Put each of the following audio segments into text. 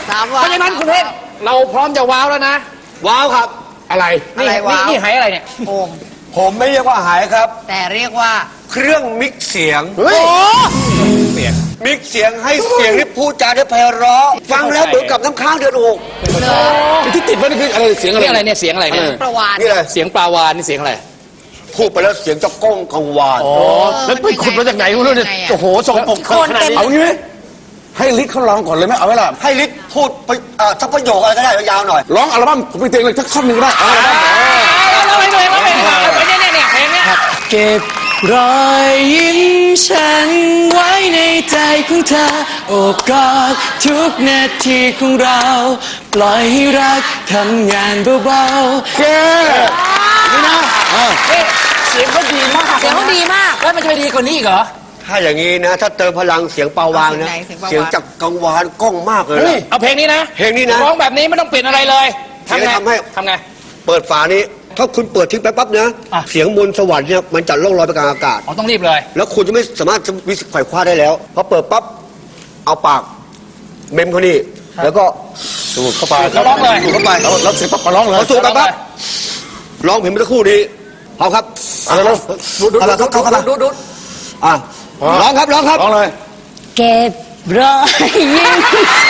3 วันเพราะฉะนั้นคุณเพชรเราพร้อมจะว้าวแล้วนะว้าวครับอะไรนี่นี่หายอะไรเนี่ยโอมผมไม่เรียกว่าหายครับแต่เรียกว่าเครื่องมิกซ์เสียงโอ้มิกซ์เสียงให้เสียงที่พูดจาได้ไพเราะฟังแล้วเหมือนกับน้ำค้างเดือดอกที่ติดไว้นี่คืออะไรเสียงอะไรเนี่ยเสียงอะไรเนี่ยประวานนี่เลยเสียงปลาวานนี่เสียงอะไรพูดไปแล้วเสียงจะก้องกังวานแล้วไปขุดมาจากไหนไม่รู้เนี่ยโอ้โหส่งปกขนาดนี้เอางี้ไหมให้ลิศเขาร้องก่อนเลยไหมเอาไหมล่ะให้ลิศพูดไปสักประโยคอะไรก็ได้ยาวๆหน่อยร้องอัลบั้มผมเพลงเลยสักท่อนหนึ่งก็ได้เอาอัลบั้มเราไปเนี่ยเพลงเนี้ยเก็บรอยยิ้มฉันไว้ในใจของเธอโอบกอดทุกนาทีของเรา ปล่อยให้รักทำงานเบาๆนี่นะเสียงเขาดีมากเสียงเขาดีมากแล้วมันจะไปดีกว่านี้อีกเหรอถ้าอย่างนี้นะ ถ้าเติมพลังเสียงปาวางนะ เสียงจากกังวานก้องมากเลยนะเอาเพลงนี้นะเพลงนี้นะร้องแบบนี้ไม่ต้องเปลี่ยนอะไรเลยทำไงทำไง เปิดฝานี้ ถ้าคุณเปิดทิ้งไปปั๊บนะอ่ะเสียงมนต์สวรรค์เนี่ยมันจะล่องลอยไปกลางอากาศอ๋อต้องรีบเลยแล้วคุณจะไม่สามารถวิสิตไขว่คว้าได้แล้วพอเปิดปั๊บเอาปากเมมเขานี่แล้วก็สูดเข้าไปแล้วร้องเลยสูดเข้าไปแล้วเสร็จปั๊บมาร้องเลยพอสูดไปปั๊บร้องเพลงเมื่อสักครู่นี้เอาครับเอาเลยเอาละครับเข้ามาดูอ่ะร้องครับร้องครับร้องเลยเก็บรอยยิ้ม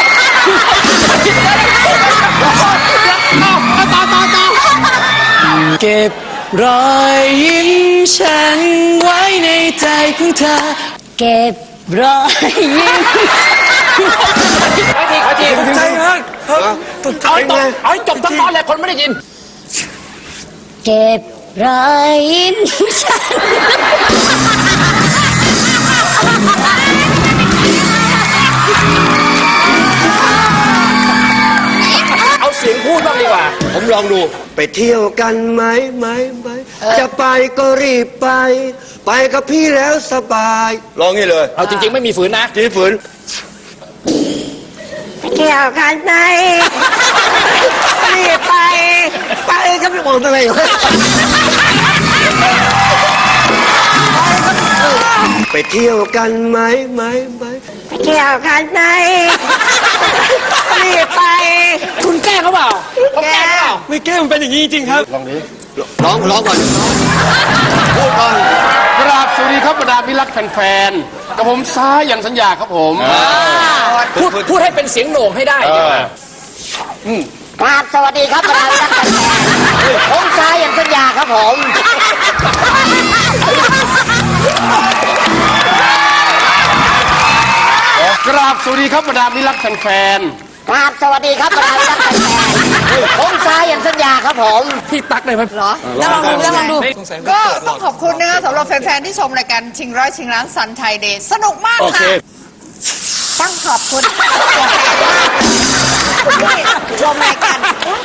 เก็บรอยยิ้มฉันไว้ในใจของเธอ เก็บรอยยิ้มขอทีใจมากเอาให้จบทั้งตอนเลยคนไม่ได้ยินเก็บรอยยิ้มฉันเอาเสียงพูดบ้างดีกว่าผมลองดูไปเที่ยวกันไหมจะไปก็รีบไป ไปกับพี่แล้วสบายลองนี่เลยเอาจริงๆไม่มีฝืนนะจีฝืนเกี่ยวกันไหมรีบไปไปก็ไม่บอกอะไรไปเที่ยวกันไหมเกี่ยวกันไหมรีบไปคุณแกล้งเขาเปล่าเขาแกล้งเปล่าไม่แก้มันเป็นอย่างนี้จริงครับร้องก่อนพูดก่อนกราบสวัสดีครับบรรดามิรักแฟนๆกับผมซ้ายันสัญญาครับผมพูดให้เป็นเสียงโหน่งให้ได้ดีกว่าครับสวัสดีครับบรรดาท่านแฟนผมชายอย่างสัญญาครับผมกราบสวัสดีครับบรรดามิรักแฟนครับสวัสดีครับบรรดาท่านแฟนผมชายอย่างสัญญาครับผมพี่ตั๊กได้ไหมเหรอแล้วลองดู ก็ต้องขอบคุณนะคะสำหรับแฟนๆที่ชมรายการชิงร้อยชิงล้านซันไทยเดย์สนุกมากโอเคค่ะต้องขอบคุณแฟนมากที่ชมรายการ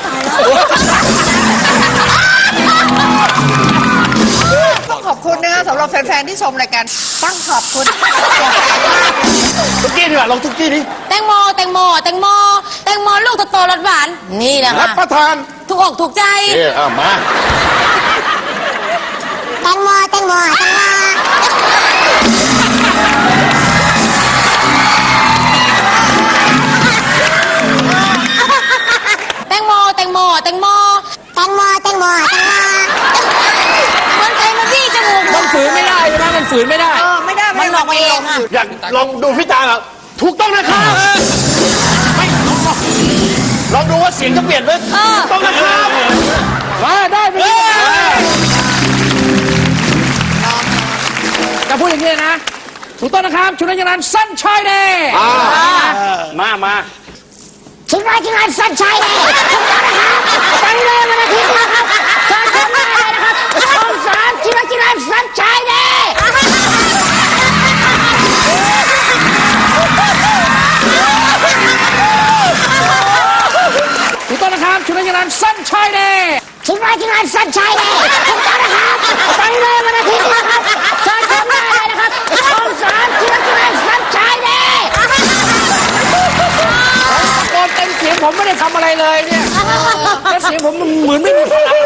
ต้องขอบคุณนะคะสำหรับแฟนๆที่ชมรายการต้องขอบคุณแฟนมากทุกกี้ดีกว่าลองทุกกี้ดิแตงโมลูกโตๆรสหวาน นี่แหละรับค่ะประทานถูกอกถูกใจมาแตงโมเหมือนใครมาบี้จมูกมันฝืนไม่ได้ใช่ไหมมันฝืนไม่ได้ไม่ได้มันหลอกมาเองอะอยากลองดูพี่ตาถูกต้องนะครับไม่ลองดูว่าเสียงจะเปลี่ยนไหมถูกต้องนะครับมาได้ไปจะพูดอย่างนี้นะถูกต้องนะครับชุดนักยานสั้นชายเดย์มาชิงร้อยชิงล้านสัญชัยเลยถูกต้องนะครับไปเลยวันอาทิตย์นะครับเชิญชมได้เลยนะครับช่อง3ชิงร้อยชิงล้านสัญชัยเลยถูกต้องนะครับชุดนักยานสั้นชายเดย์ชิงร้อยชิงล้านสัญชัยเลยถูกต้องนะครับไปเลยวันอาทิตย์นะครับเชิญชมได้เลยนะครับช่อง3ชิงร้อยชิงล้านสัญชัยเลยตะโกนเต็มเสียงผมไม่ได้ทำอะไรเลยเนี่ยแล้วเสียงผมมันเหมือนไม่มีพลัง